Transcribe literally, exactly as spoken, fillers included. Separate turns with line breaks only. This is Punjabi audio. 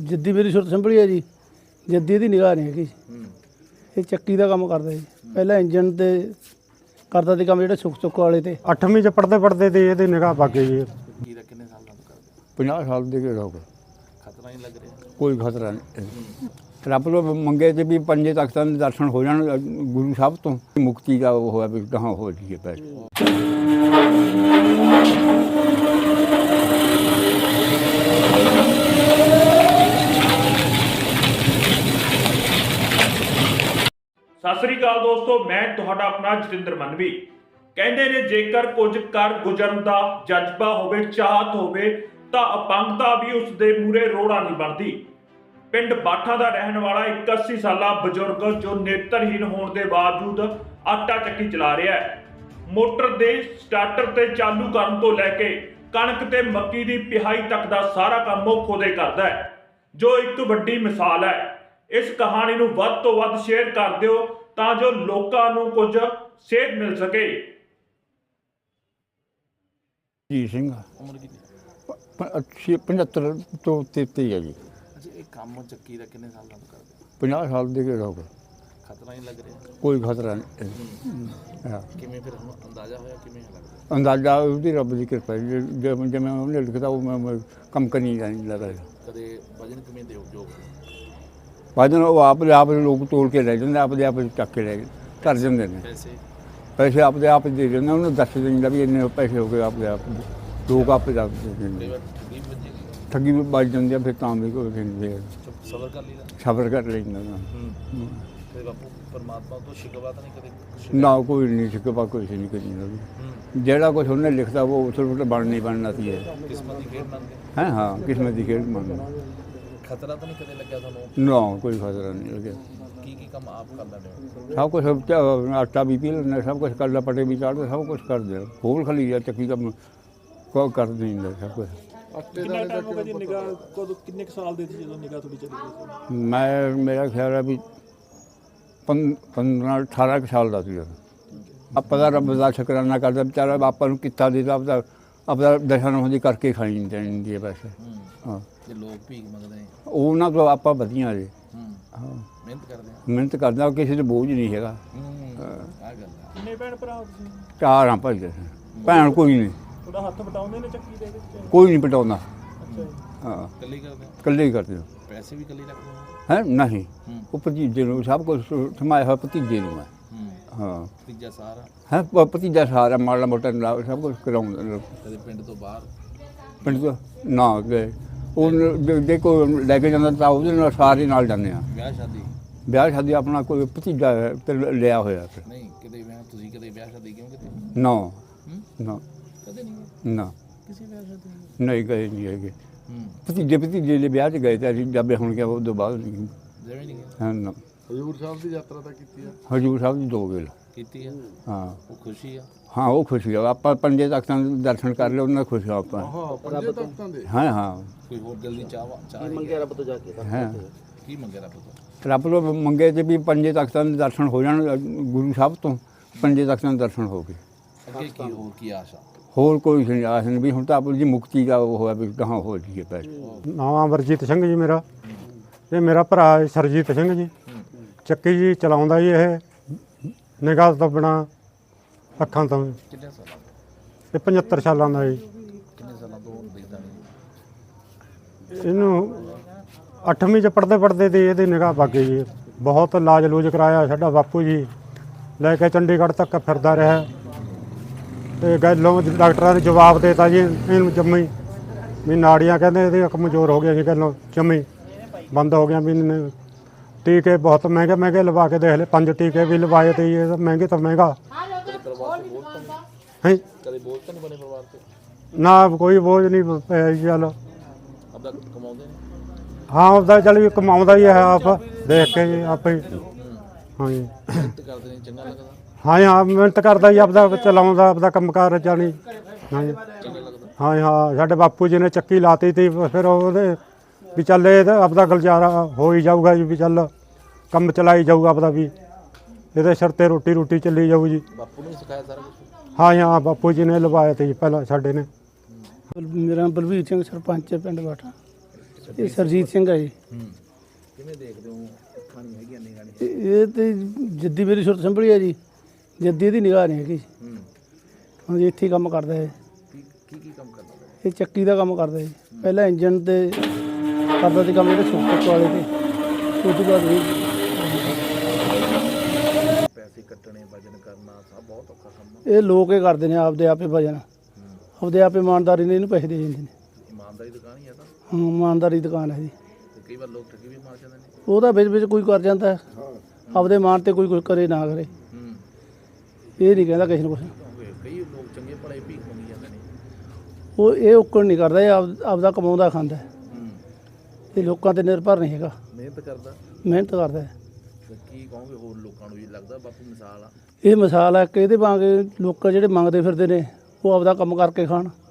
ਜਿੱਦੀ ਮੇਰੀ ਸੁਰਤ ਸੰਭਲੀ ਹੈ ਜੀ, ਜੱਦੀ ਦੀ ਨਿਗਾਹ ਨਹੀਂ ਹੈਗੀ। ਇਹ ਚੱਕੀ ਦਾ ਕੰਮ ਕਰਦਾ ਜੀ, ਪਹਿਲਾਂ ਇੰਜਨ ਤੇ ਕਰਦਾ ਸੀ ਕੰਮ, ਜਿਹੜੇ ਸੁੱਕ ਸੁੱਕ ਵਾਲੇ ਤੇ
ਅੱਠਵੀਂ ਚ ਪੜਦੇ ਪੜਦੇ ਤੇ ਇਹਦੀ ਨਿਗਾਹ ਪੱਗ ਗਈ ਜੀ।
ਕੀਰਾ ਕਿੰਨੇ ਸਾਲ ਦਾ ਕਰਦੇ?
ਪੰਜਾਹ ਸਾਲ ਦੇ ਕੇ ਹੋ ਗਏ।
ਖਤਰਾ ਨਹੀਂ ਲੱਗ ਰਿਹਾ?
ਕੋਈ ਖਤਰਾ ਨਹੀਂ। ਰੱਬ ਤੋਂ ਮੰਗੇ ਤੇ ਵੀ ਪੰਜੇ ਤਖਤਾਂ ਦੇ ਦਰਸ਼ਨ ਹੋ ਜਾਣ ਗੁਰੂ ਸਾਹਿਬ ਤੋਂ, ਮੁਕਤੀ ਦਾ ਉਹ ਹੋਇਆ ਵੀ ਕਹਾਂ ਹੋ ਜਾਈਏ ਪੈਸੇ।
ਸਤਿ ਸ੍ਰੀ ਅਕਾਲ ਦੋਸਤੋ, ਮੈਂ ਤੁਹਾਡਾ ਆਪਣਾ ਜਤਿੰਦਰ ਮਨਵੀ। ਕਹਿੰਦੇ ਨੇ ਜੇਕਰ ਕੁਝ ਕਰ ਗੁਜ਼ਰਨ ਦਾ ਜਜ਼ਬਾ ਹੋਵੇ, ਚਾਹਤ ਹੋਵੇ ਤਾਂ ਅਪੰਗਤਾ ਵੀ ਉਸ ਦੇ ਮੂਹਰੇ ਰੋੜਾ ਨਹੀਂ ਬਣਦੀ। ਪਿੰਡ ਬਾਠਾ ਦਾ ਰਹਿਣ ਵਾਲਾ ਇੱਕ ਅੱਸੀ ਸਾਲਾ ਬਜ਼ੁਰਗ ਜੋ ਨੇਤਰਹੀਨ ਹੋਣ ਦੇ ਬਾਵਜੂਦ ਆਟਾ ਚੱਕੀ ਚਲਾ ਰਿਹਾ ਹੈ। ਮੋਟਰ ਦੇ ਸਟਾਰਟਰ ਤੇ ਚਾਲੂ ਕਰਨ ਤੋਂ ਲੈ ਕੇ ਕਣਕ ਤੇ ਮੱਕੀ ਦੀ ਪਿਹਾਈ ਤੱਕ ਦਾ ਸਾਰਾ ਕੰਮ ਉਹ ਖੁਦੇ ਕਰਦਾ ਹੈ, ਜੋ ਇੱਕ ਵੱਡੀ ਮਿਸਾਲ ਹੈ। ਇਸ ਕਹਾਣੀ ਨੂੰ ਵੱਧ ਤੋਂ ਵੱਧ ਸ਼ੇਅਰ ਕਰ ਦਿਓ ਤਾਂ ਜੋ ਲੋਕਾਂ ਨੂੰ ਕੁਝ ਸੇਧ ਮਿਲ ਸਕੇ।
ਜੀ ਸਿੰਘ
ਉਮਰ ਕਿੰਨੀ?
ਅੱਛੀ ਪੰਝੱਤਰ ਤੋਂ ਤੇਤੀ ਹੈ ਜੀ।
ਅੱਛਾ, ਇਹ ਕੰਮ ਚੱਕੀ ਦਾ ਕਿੰਨੇ ਸਾਲ ਦਾ ਕਰਦੇ?
ਪੰਜਾਹ ਸਾਲ ਦੇ ਕੇ ਹੋ ਗਏ।
ਖਤਰਾ ਨਹੀਂ ਲੱਗ ਰਿਹਾ?
ਕੋਈ ਖਤਰਾ ਨਹੀਂ। ਹਾਂ,
ਕਿਵੇਂ ਫਿਰ ਹੁਣ ਅੰਦਾਜ਼ਾ ਹੋਇਆ ਕਿਵੇਂ ਲੱਗਦਾ?
ਅੰਦਾਜ਼ਾ ਉਹਦੀ ਰੱਬ ਦੀ ਕਿਰਪਾ ਹੈ। ਜਿਵੇਂ ਜਿਵੇਂ ਉਹਨੇ ਲਿਖਦਾ ਉਹ ਮੈਂ ਮੈਂ ਕੰਮ ਕਰਨੀ ਨਹੀਂ ਲੱਗਾ।
ਕਦੇ ਵਜਨ ਕਿਵੇਂ ਦਿਓ ਜੋ
ਵਜਨ ਉਹ ਆਪ ਦੇ ਆਪ ਲੋਕ ਤੋਲ ਕੇ ਲੈ ਜਾਂਦੇ, ਆਪਦੇ ਆਪ ਚੱਕ ਕੇ ਲੈ ਧਰ ਜਾਂਦੇ ਨੇ।
ਪੈਸੇ
ਪੈਸੇ ਆਪਦੇ ਆਪ ਦੇ ਦਿੰਦੇ, ਉਹਨੂੰ ਦੱਸ ਦਿੰਦਾ ਵੀ ਇੰਨੇ ਪੈਸੇ ਹੋ ਗਏ, ਆਪਦੇ ਆਪ ਲੋਕ ਆਪੇ ਦੱਸ ਦਿੰਦੇ।
ਕਈ ਵਾਰ ਠੱਗੀ ਵੀ ਵੱਜੀ ਗਈ,
ਠੱਗੀ ਵੀ ਵੱਜ ਜਾਂਦੀ ਆ, ਫਿਰ ਤਾਂ ਵੀ ਕੋਈ ਕਹਿੰਦੇ
ਚੁੱਪ ਸਬਰ ਕਰ ਲਈਦਾ।
ਸਬਰ ਕਰ ਲੈਂਦਾ ਨਾ।
ਹੂੰ ਤੇ ਬਾਪੂ ਪਰਮਾਤਮਾ ਤੋਂ ਸ਼ਿਕਵਾ ਤਾਂ ਨਹੀਂ ਕਦੇ?
ਨਾ ਕੋਈ ਨਹੀਂ ਸ਼ਿਕਵਾ, ਕੋਈ ਨਹੀਂ ਕਰੀ ਨਾ।
ਹੂੰ
ਜਿਹੜਾ ਕੁਛ ਉਹਨੇ ਲਿਖਦਾ ਉਹ ਉਸ ਨੂੰ ਬਣ ਨਹੀਂ ਬਣਨਾ ਸੀ।
ਕਿਸਮਤ ਦੀ ਖੇਡ ਮੰਨਦੇ?
ਹੈ ਹਾਂ, ਕਿਸਮਤ ਦੀ ਖੇਡ ਮੰਨਦਾ।
ਖਤਰਾ ਤਾਂ ਨਹੀਂ ਕਦੇ ਲੱਗਿਆ ਤੁਹਾਨੂੰ?
ਨਾ ਕੋਈ ਖਤਰਾ ਨਹੀਂ ਲੱਗਿਆ।
ਕੀ ਕੀ ਕੰਮ ਆਪ ਕਰ ਲੈਂਦੇ ਹੋ?
ਸਭ ਕੁਛ ਆਟਾ ਵੀ ਪੀ ਲੈਂਦਾ, ਸਭ ਕੁਛ ਕਰਦਾ, ਪਟੇ ਵੀ ਚਾੜਦਾ, ਸਭ ਕੁਛ ਕਰਦੇ। ਹੋਰ ਖਲੀ ਆ ਚੱਕੀ ਕੰਮ ਕੋਈ ਕਰ ਨਹੀਂ ਹੁੰਦਾ ਸਭ ਕੁਛ।
ਕਿੰਨਾ ਟਾਈਮ ਹੋ ਗਿਆ ਜੀ ਨਿਗਾਹ? ਕਦੋਂ ਕਿੰਨੇ ਕੁ ਸਾਲ ਦੇ ਸੀ ਜਦੋਂ ਨਿਗਾਹ ਤੁਹਾਡੀ ਚਲੀ ਗਈ ਸੀ?
ਮੈਂ ਮੇਰਾ ਖਿਆਲ ਹੈ ਵੀ ਪੰਦਰਾਂ ਅਠਾਰਾਂ ਕੁ ਸਾਲ ਦਾ ਸੀ ਜਦੋਂ। ਆਪਾਂ ਦਾ ਰੱਬ ਦਾ ਸ਼ੁਕਰਾਨਾ ਕਰਦਾ, ਵਿਚਾਰਾ ਆਪਾਂ ਨੂੰ ਕੀਤਾ ਦਿੱਤਾ, ਆਪਦਾ ਆਪਦਾ ਦਸ਼ਾ ਨੂੰ ਹੁੰਦੀ ਕਰਕੇ ਖਾਣੀ ਚਾਹੀਦੀ ਹੈ ਵੈਸੇ। ਹਾਂ,
ਜੇ ਲੋਕ ਭੀਖ ਮੰਗਦੇ ਨੇ
ਉਹਨਾਂ ਤੋਂ ਆਪਾਂ ਵਧੀਆ ਜੀ।
ਹੂੰ
ਹਾਂ,
ਮਿਹਨਤ ਕਰਦੇ ਆ।
ਮਿਹਨਤ ਕਰਦਾ, ਕਿਸੇ ਤੇ ਬੋਝ ਨਹੀਂ ਹੈਗਾ।
ਹੂੰ ਆ ਗੱਲ ਆ।
ਕਿੰਨੇ ਭੈਣ ਭਰਾ ਹੋ ਤੁਸੀਂ?
ਚਾਰ ਆ ਭਾਈ ਦੇ, ਭੈਣ ਕੋਈ ਨਹੀਂ,
ਤੁਹਾਡਾ ਹੱਥ ਵਟਾਉਂਦੇ ਨੇ ਚੱਕੀ ਦੇ ਵਿੱਚ?
ਕੋਈ ਨਹੀਂ ਪਟਾਉਂਦਾ।
ਅੱਛਾ ਜੀ।
ਹਾਂ,
ਇਕੱਲੇ ਹੀ ਕਰਦੇ ਆ?
ਇਕੱਲੇ ਹੀ ਕਰਦੇ ਹੋ।
ਪੈਸੇ ਵੀ ਇਕੱਲੇ ਰੱਖਦੇ ਹੋ?
ਹੈ ਨਹੀਂ,
ਹੂੰ
ਉਹ ਭਤੀਜੇ ਨੂੰ ਸਭ ਕੁਝ ਸਮਾਇਆ ਹੋਇਆ ਭਤੀਜੇ ਨੂੰ ਹੈ।
ਹੂੰ
ਹਾਂ,
ਤੀਜਾ ਸਾਰਾ
ਹੈ ਭਤੀਜਾ ਸਾਰਾ ਮਾੜਾ ਮੋਟਾ ਨਾਲ ਸਭ ਕੁਝ ਕਰਾਉਂਦਾ।
ਕਦੇ ਪਿੰਡ ਤੋਂ ਬਾਹਰ?
ਪਿੰਡ ਤੋਂ ਨਾ ਗਏ, ਉਹ ਜੇ ਕੋਈ ਲੈ ਕੇ ਜਾਂਦਾ ਤਾਂ ਉਹਦੇ ਨਾਲ ਸਾਰੇ ਨਾਲ ਜਾਂਦੇ ਆ।
ਵਿਆਹ ਸ਼ਾਦੀ?
ਵਿਆਹ ਸ਼ਾਦੀ ਆਪਣਾ ਕੋਈ ਭਤੀਜਾ ਹੈ ਤੇ ਲਿਆ ਹੋਇਆ ਫਿਰ।
ਨਹੀਂ ਕਦੇ ਵਿਆਹ ਤੁਸੀਂ ਕਦੇ ਵਿਆਹ ਸ਼ਾਦੀ ਕਿਉਂ ਕਿਤੇ?
ਨਾ
ਹੂੰ
ਨਾ
ਕਦੇ ਨਹੀਂ ਗਏ
ਨਾ
ਕਿਸੇ ਵਿਆਹ ਸ਼ਾਦੀ ਨੂੰ?
ਨਹੀਂ ਗਏ ਨਹੀਂ ਹੈਗੇ।
ਹੂੰ
ਭਤੀਜੇ ਭਤੀਜੇ ਦੇ ਵਿਆਹ 'ਚ ਗਏ ਤੇ ਅਸੀਂ ਜੱਬੇ ਹੁਣ ਗਿਆ, ਉਹ ਤੋਂ ਬਾਅਦ ਨਹੀਂ
ਜਿਵੇਂ ਨਹੀਂ ਗਏ?
ਹਾਂ ਨਾ।
ਹਜ਼ੂਰ ਸਾਹਿਬ ਦੀ ਯਾਤਰਾ ਤਾਂ ਕੀਤੀ ਆ?
ਹਜ਼ੂਰ ਸਾਹਿਬ ਦੀ ਦੋ ਵੇਲ।
ਕੀਤੀ ਆ?
ਹਾਂ
ਉਹ ਖੁਸ਼ੀ ਆ?
ਹਾਂ, ਉਹ ਖੁਸ਼ੀ ਆ। ਆਪਾਂ ਪੰਜੇ ਤਖਤਾਂ ਦੇ ਦਰਸ਼ਨ ਕਰ ਲਏ, ਉਹਨਾਂ ਖੁਸ਼ ਆ ਆਪਾਂ।
ਹਾਂ, ਪੰਜੇ ਤਖਤਾਂ ਦੇ।
ਹਾਂ ਹਾਂ,
ਕੋਈ ਹੋਰ ਦਿਲ ਦੀ ਚਾਹ ਚਾਹ
ਕੀ ਮੰਗਿਆ ਰੱਬ ਤੋਂ ਜਾ ਕੇ?
ਹੈ
ਕੀ ਮੰਗਿਆ ਰੱਬ ਤੋਂ?
ਰੱਬ ਤੋਂ ਮੰਗੇ ਤੇ ਵੀ ਪੰਜੇ ਤਖਤਾਂ ਦੇ ਦਰਸ਼ਨ ਹੋ ਜਾਣ ਗੁਰੂ ਸਾਹਿਬ ਤੋਂ, ਪੰਜੇ ਤਖਤਾਂ ਦੇ ਦਰਸ਼ਨ ਹੋ ਗਏ।
ਅੱਗੇ ਕੀ ਹੋਰ ਕੀ ਆਸ਼ਾ?
ਹੋਰ ਕੋਈ ਨਹੀਂ ਆਸ ਨਹੀਂ ਵੀ ਹੁਣ ਤਾਂ ਆਪਣੀ ਜੀ ਮੁਕਤੀ ਦਾ ਉਹ ਹੋਇਆ ਵੀ ਕਹਾਂ ਹੋ ਜਾਈਏ ਪੈਸੇ।
ਨਾਮ ਅਮਰਜੀਤ ਸਿੰਘ ਜੀ ਮੇਰਾ, ਇਹ ਮੇਰਾ ਭਰਾ ਹੈ ਸਰਜੀਤ ਸਿੰਘ ਜੀ। ਚੱਕੀ ਜੀ ਚਲਾਉਂਦਾ ਜੀ, ਇਹ ਨਿਗਾਹ ਤੋਂ ਬਿਨਾਂ ਅੱਖਾਂ ਤੋਂ।
ਕਿੰਨੇ ਸਾਲਾਂ ਤੋਂ?
ਇਹ ਪਝੱਤਰ ਸਾਲਾਂ ਦਾ ਜੀ।
ਕਿੰਨੇ ਸਾਲਾਂ ਤੋਂ ਦੇਖਦਾ ਨਹੀਂ?
ਇਹਨੂੰ ਅੱਠਵੀਂ ਚ ਪੜਦੇ ਪੜਦੇ ਤੇ ਇਹਦੀ ਨਿਗਾਹ ਪੱਗ ਗਈ ਜੀ। ਬਹੁਤ ਇਲਾਜ ਲੂਜ ਕਰਾਇਆ, ਸਾਡਾ ਬਾਪੂ ਜੀ ਲੈ ਕੇ ਚੰਡੀਗੜ੍ਹ ਤੱਕ ਫਿਰਦਾ ਰਿਹਾ ਤੇ ਗੱਲੋਂ ਡਾਕਟਰਾਂ ਨੇ ਜਵਾਬ ਦੇਤਾ ਜੀ ਇਹਨੂੰ ਜੰਮੀ ਵੀ ਨਾੜੀਆਂ ਕਹਿੰਦੇ ਇਹਦੀ ਕਮਜ਼ੋਰ ਹੋ ਗਈਆਂ ਜੀ, ਗੱਲੋਂ ਜੰਮੀ ਬੰਦ ਹੋ ਗਿਆ। ਵੀ ਇਹਨੇ ਟੀਕੇ ਬਹੁਤ ਮਹਿੰਗੇ ਮਹਿੰਗੇ ਲਵਾ ਕੇ ਦੇਖ ਲਏ, ਪੰਜ ਟੀਕੇ ਵੀ ਲਵਾਏ ਤੇ ਇਹ ਮਹਿੰਗੇ ਤੋਂ ਮਹਿੰਗਾ ਹੈ।
ਕਦੇ ਬੋਝ ਤਾਂ ਨਹੀਂ ਬਣੇ ਪਰਿਵਾਰ ਤੇ?
ਨਾ ਕੋਈ ਬੋਝ ਨਹੀਂ ਪਿਆ ਜੀ। ਚੱਲ
ਆਪਦਾ ਕਮਾਉਂਦੇ ਨੇ?
ਹਾਂ, ਉਹਦਾ ਚੱਲ ਵੀ ਕਮਾਉਂਦਾ ਹੀ ਹੈ ਆਪ ਦੇਖ ਕੇ ਜੀ ਆਪੇ। ਹਾਂਜੀ
ਮਿਹਨਤ ਕਰਦੇ ਨੇ, ਚੰਗਾ ਲੱਗਦਾ?
ਹਾਂ ਹਾਂ, ਮਿਹਨਤ ਕਰਦਾ ਜੀ, ਆਪਦਾ ਚਲਾਉਂਦਾ, ਆਪਦਾ ਕੰਮਕਾਰ ਜਾਣੀ। ਹਾਂਜੀ
ਚੰਗਾ ਲੱਗਦਾ?
ਹਾਂ ਹਾਂ, ਸਾਡੇ ਬਾਪੂ ਜੀ ਨੇ ਚੱਕੀ ਲਾਤੀ ਤੀ, ਫਿਰ ਉਹਦੇ ਵੀ ਚੱਲ ਇਹ ਤਾਂ ਆਪਦਾ ਗੁਜ਼ਾਰਾ ਹੋ ਹੀ ਜਾਊਗਾ ਜੀ, ਵੀ ਚੱਲ ਕੰਮ ਚਲਾਈ ਜਾਊਗਾ ਆਪਦਾ, ਵੀ ਇਹਦੇ ਸਿਰ 'ਤੇ ਰੋਟੀ ਰੋਟੀ ਚੱਲੀ ਜਾਊ ਜੀ।
ਬਾਪੂ ਨੇ ਸਿਖਾਇਆ ਸਾਰਾ ਕੁਝ?
ਹਾਂ ਹਾਂ, ਬਾਪੂ ਜੀ ਨੇ ਲਵਾਇਆ ਤੇ ਜੀ ਪਹਿਲਾਂ ਸਾਡੇ ਨੇ।
ਮੇਰਾ ਨਾਮ ਬਲਵੀਰ ਸਿੰਘ, ਸਰਪੰਚ ਹੈ ਪਿੰਡ ਬਾਠਾ। ਇਹ ਸਰਜੀਤ ਸਿੰਘ ਹੈ ਜੀ।
ਹੂੰ ਕਿਵੇਂ ਦੇਖਦੇ ਹੋ ਅੱਖਾਂ ਨਹੀਂ ਹੈਗੀਆਂ ਨਿਗਾਹ ਨਹੀਂ
ਇਹ ਇਹ ਤੇ ਜੱਦੀ ਮੇਰੀ ਸੁਰਤ ਸੰਭਲੀ ਹੈ ਜੀ, ਜੱਦੀ ਇਹਦੀ ਨਿਗਾਹ ਨਹੀਂ ਹੈਗੀ।
ਹੂੰ
ਹਾਂਜੀ ਇੱਥੇ ਹੀ ਕੰਮ ਕਰਦਾ ਹੈ।
ਕੀ ਕੀ ਕੀ ਕੰਮ ਕਰਦਾ ਹੈ?
ਇਹ ਚੱਕੀ ਦਾ ਕੰਮ ਕਰਦਾ ਜੀ। ਪਹਿਲਾਂ ਇੰਜਨ ਤੇ ਕਰਦਾ ਸੀ ਕੰਮ ਜਿਹੜੇ ਸੁੱਕ ਵਾਲੇ ਤੇ, ਉਸ ਤੋਂ ਬਾਅਦ ਇਹ
ਪੈਸੇ ਕੱਟਣੇ ਵਜਨ ਕਰਨਾ ਸਭ ਬਹੁਤ ਔਖਾ ਕੰਮ ਆ।
ਇਹ ਲੋਕ ਇਹ ਕਰਦੇ ਨੇ ਆਪਦੇ ਆਪੇ ਵਜਨ, ਆਪਦੇ ਆਪੇ ਇਮਾਨਦਾਰੀ ਨੇ ਇਹਨੂੰ ਪੈਸੇ ਦੇ ਜਾਂਦੇ ਨੇ।
ਇਮਾਨਦਾਰੀ ਦੁਕਾਨ ਹੀ ਆ ਤਾਂ
ਹਾਂ ਇਮਾਨਦਾਰੀ ਦੁਕਾਨ ਹੈ ਜੀ।
ਤੇ ਕਈ ਵਾਰ ਲੋਕ ਠੱਗੀ ਵੀ ਮਾਰ ਜਾਂਦੇ ਨੇ।
ਉਹਦਾ ਵਿੱਚ ਵਿੱਚ ਕੋਈ ਕਰ ਜਾਂਦਾ ਹੈ, ਆਪਦੇ ਮਾਨ ਤੇ ਕੋਈ ਕੁਝ ਕਰੇ ਨਾ ਕਰੇ,
ਹੂੰ
ਇਹ ਨਹੀਂ ਕਹਿੰਦਾ ਕਿਸੇ ਨੂੰ ਕੁਛ।
ਕਿਉਂਕਿ ਕਈ ਲੋਕ ਚੰਗੇ ਭਲੇ ਭੀਖ ਮੰਗੀ ਜਾਂਦੇ ਨੇ।
ਉਹ ਇਹ ਔਕੜ ਨਹੀਂ ਕਰਦਾ, ਇਹ ਆਪ ਆਪਦਾ ਕਮਾਉਂਦਾ ਖਾਂਦਾ ਹੈ।
ਹੂੰ
ਇਹ ਲੋਕਾਂ ਤੇ ਨਿਰਭਰ ਨਹੀਂ ਹੈਗਾ,
ਮਿਹਨਤ ਕਰਦਾ।
ਮਿਹਨਤ ਕਰਦਾ ਹੈ।
ਤੇ ਕੀ ਕਹੋਗੇ ਹੋਰ ਲੋਕਾਂ ਨੂੰ ਵੀ ਲੱਗਦਾ ਬਾਪੂ ਮਿਸਾਲ ਆ?
ਇਹ ਮਿਸਾਲ ਹੈ ਕਿ ਇਹਦੇ ਵਾਂਗ ਲੋਕ ਜਿਹੜੇ ਮੰਗਦੇ ਫਿਰਦੇ ਨੇ ਉਹ ਆਪਦਾ ਕੰਮ ਕਰਕੇ ਖਾਣ।